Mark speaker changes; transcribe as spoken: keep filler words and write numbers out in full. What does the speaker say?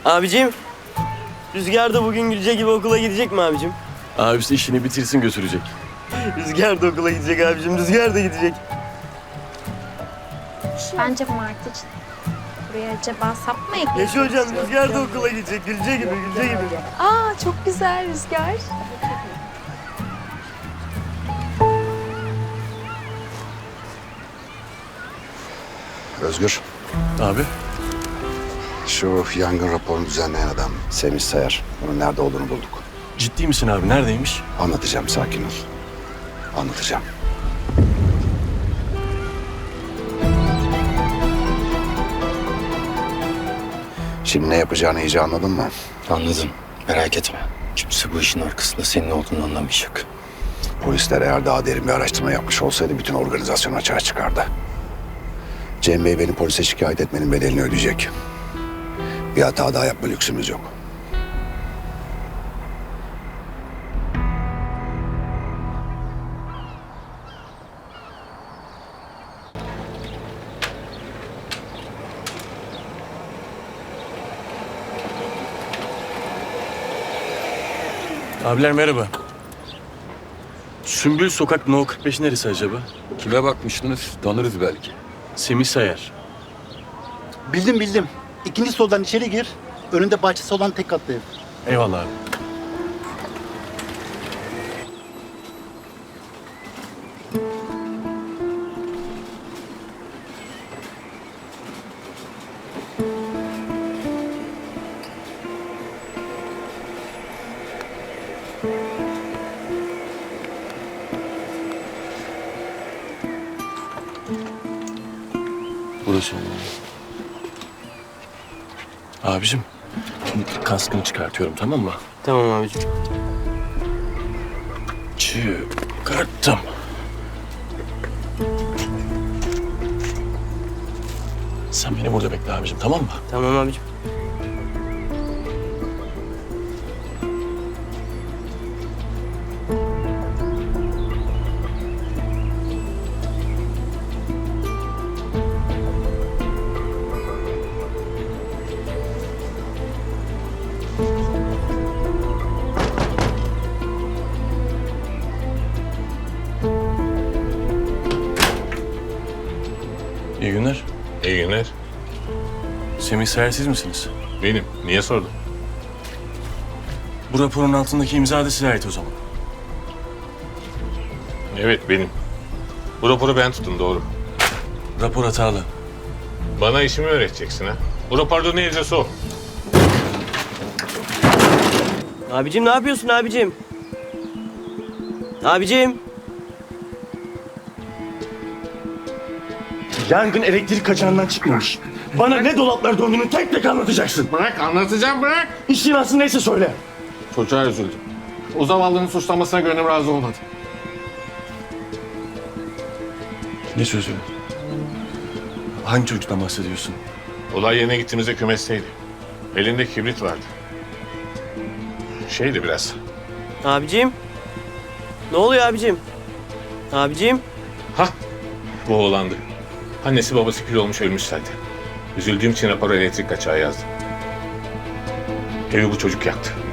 Speaker 1: Abicim, Rüzgar da bugün Gülce gibi okula gidecek mi abicim?
Speaker 2: Abisi işini bitirsin götürecek.
Speaker 1: Rüzgar da okula gidecek abicim, Rüzgar da gidecek.
Speaker 3: Bence Martıcığım. Buraya acaba sap mı eklemek
Speaker 1: Yaşa hocam,
Speaker 3: istiyor?
Speaker 1: Rüzgar da okula gidecek, Gülce gibi, Gülce gibi.
Speaker 3: Aa çok güzel Rüzgar.
Speaker 4: Özgür,
Speaker 2: Abi,
Speaker 4: şu yangın raporunu düzenleyen adam Semih Sayar. Bunun nerede olduğunu bulduk.
Speaker 2: ciddi misin abi? Neredeymiş?
Speaker 4: Anlatacağım, sakin ol. Anlatacağım. Şimdi ne yapacağını iyice anladın mı?
Speaker 5: Anladım. Merak etme. Kimse bu işin arkasında senin olduğunu anlamayacak.
Speaker 4: Polisler eğer daha derin bir araştırma yapmış olsaydı bütün organizasyon açığa çıkardı. Cem Bey beni polise şikayet etmenin bedelini ödeyecek. Bir hata daha yapma lüksümüz yok.
Speaker 2: Abiler merhaba. Sümbül Sokak No kırk beş neresi acaba?
Speaker 6: Kime bakmıştınız? Tanırız belki.
Speaker 2: Semih Sayar.
Speaker 7: Bildim bildim. İkinci soldan içeri gir. Önünde bahçesi olan tek katlı ev.
Speaker 2: Eyvallah abi. Burası olmalı. Abicim, şimdi kaskını çıkartıyorum, tamam mı?
Speaker 1: Tamam abicim.
Speaker 2: Çıkarttım. Sen beni burada bekle abicim, tamam mı?
Speaker 1: Tamam abicim.
Speaker 2: İyi günler.
Speaker 8: İyi günler.
Speaker 2: Semih Sayar siz misiniz?
Speaker 8: Benim. Niye sordun?
Speaker 2: Bu raporun altındaki imza da size ait o zaman.
Speaker 8: Evet benim. Bu raporu ben tuttum doğru.
Speaker 2: Rapor hatalı.
Speaker 8: Bana işimi öğreteceksin ha. Bu raporda ne yazıyorsa o.
Speaker 1: Abicim ne yapıyorsun abicim? Abicim.
Speaker 2: Yangın elektrik kaçağından çıkmamış. Bana ne dolaplar döndüğünü tek tek anlatacaksın.
Speaker 8: Bırak anlatacağım bırak.
Speaker 2: İşin aslı neyse söyle.
Speaker 8: Çocuğa üzüldüm. O zavallının suçlanmasına gönlüm razı olmadı.
Speaker 2: Ne sözü? Hangi çocuktan bahsediyorsun?
Speaker 8: Olay yerine gittiğimizde kümesteydi. Elinde kibrit vardı. Şeydi biraz.
Speaker 1: Abicim. Ne oluyor abicim? Abicim.
Speaker 8: Hah bu oğlandı. Annesi babası kül olmuş ölmüş zaten. Üzüldüğüm için rapora elektrik kaçağı yazdım. Evi bu çocuk yaktı.